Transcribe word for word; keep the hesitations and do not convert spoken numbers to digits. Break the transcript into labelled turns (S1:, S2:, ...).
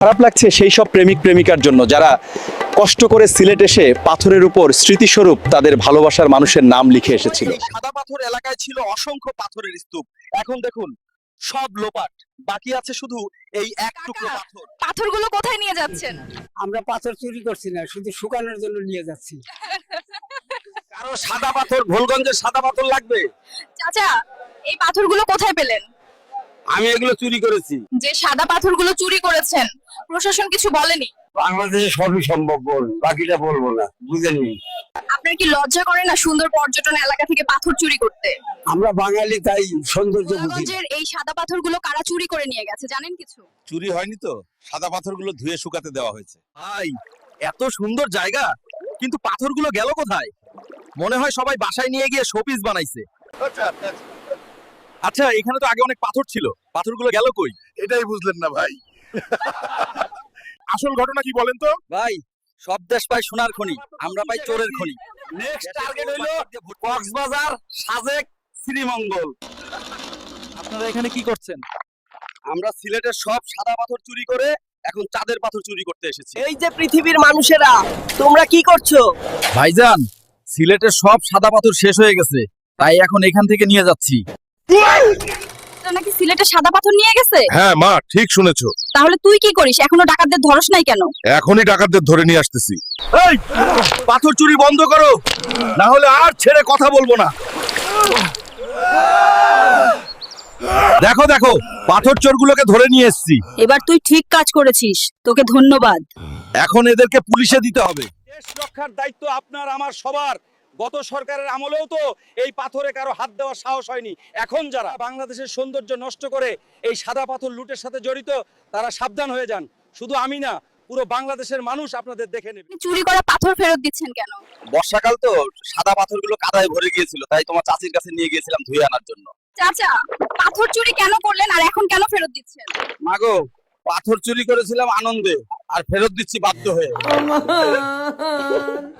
S1: খারাপ লাগছে সেই সব প্রেমিক প্রেমিকার জন্য যারা কষ্ট করে সিলেট এসে পাথরের উপর স্মৃতিস্বরূপ তাদের ভালোবাসার মানুষের নাম লিখে এসেছিল।
S2: এই সাদা পাথর এলাকায় ছিল অসংখ্য পাথরের স্তূপ, এখন দেখুন সব লোপাট, বাকি আছে শুধু এই এক টুকরো পাথর।
S3: পাথরগুলো কোথায় নিয়ে যাচ্ছেন?
S4: আমরা পাথর চুরি করছি না, শুধু শুকানোর জন্য নিয়ে যাচ্ছি।
S2: কারো সাদা পাথর, ভোলগঞ্জের সাদা পাথর লাগবে?
S3: চাচা, এই পাথরগুলো কোথায় পেলেন?
S2: আমি এগুলো চুরি করেছি।
S3: যে সাদা পাথরগুলো চুরি করেছেন, প্রশাসন কিছু বলেনি?
S4: বাংলাদেশে সবই সম্ভব, বল, বাকিটা বলবো না, বুঝেননি?
S3: আপনার কি লজ্জা করে না সুন্দর পর্যটন এলাকা থেকে পাথর চুরি করতে?
S4: আমরা বাঙালি, তাই সৌন্দর্য বুঝি।
S3: গোলাগঞ্জের এই সাদা পাথরগুলো কারা চুরি করে নিয়ে গেছে জানেন কিছু?
S2: চুরি হয়নি তো, সাদা পাথরগুলো ধুয়ে শুকাতে দেওয়া হয়েছে। ভাই, এত সুন্দর জায়গা, কিন্তু পাথরগুলো গেল কোথায়? মনে হয় সবাই বাসায় নিয়ে গিয়ে শোপিস বানাইছে। আচ্ছা, এখানে তো আগে অনেক পাথর ছিল, পাথরগুলো গেল কই?
S5: এটাই বুঝলেন না ভাই। আসল ঘটনা কি বলেন তো?
S2: ভাই, সব দেশ পায় সোনার খনি, আমরা পাই চোরের খনি। নেক্সট টার্গেট হলো কক্সবাজার, সাজেক, শ্রীমঙ্গল। আপনারা এখানে কি করছেন? আমরা সিলেটের সব সাদা পাথর চুরি করে এখন চাঁদের পাথর চুরি করতে এসেছি।
S6: এই যে পৃথিবীর মানুষেরা, তোমরা কি করছো?
S2: ভাইজান, সিলেটের সব সাদা পাথর শেষ হয়ে গেছে, তাই এখন এখান থেকে নিয়ে যাচ্ছি।
S3: তোরা নাকি সিলেটে সাদা পাথর নিয়ে গেছে?
S5: হ্যাঁ মা, ঠিক শুনেছো।
S3: তাহলে তুই কি করিস? এখনো ডাকাতদের ধরস নাই কেন?
S5: এখনই ডাকাতদের ধরে নিয়ে আসতেছি।
S2: এই, পাথর চুরি বন্ধ করো, না হলে আর ছেড়ে কথা বলবো না। দেখো দেখো, পাথর চোরগুলোকে ধরে নিয়ে এসেছি।
S3: এবার তুই ঠিক কাজ করেছিস, তোকে ধন্যবাদ।
S2: এখন এদেরকে পুলিশে দিতে হবে। দেশ রক্ষার দায়িত্ব আপনার আমার সবার। গত সরকারের আমলেও তো এই পাথরে কারো হাত দেওয়ার সাহস হয়নি। এখন যারা বাংলাদেশের সৌন্দর্য নষ্ট করে এই সাদা পাথর লুটের সাথে জড়িত, তারা সাবধান হয়ে যান। শুধু আমি না, পুরো বাংলাদেশের মানুষ আপনাদের দেখে নেবে।
S3: আপনি চুরি করা পাথর ফেরত দিচ্ছেন কেন?
S2: বর্ষাকাল তো, সাদা পাথরগুলো কাদায় ভরে গিয়েছিল, তাই তোমার চাচির কাছে নিয়ে গিয়েছিলাম ধুয়ে আনার জন্য।
S3: চাচা, পাথর চুরি কেন করলেন আর এখন কেন ফেরত দিচ্ছেন?
S2: মাগো, পাথর চুরি করেছিলাম আনন্দে, আর ফেরত দিচ্ছি বাধ্য হয়ে।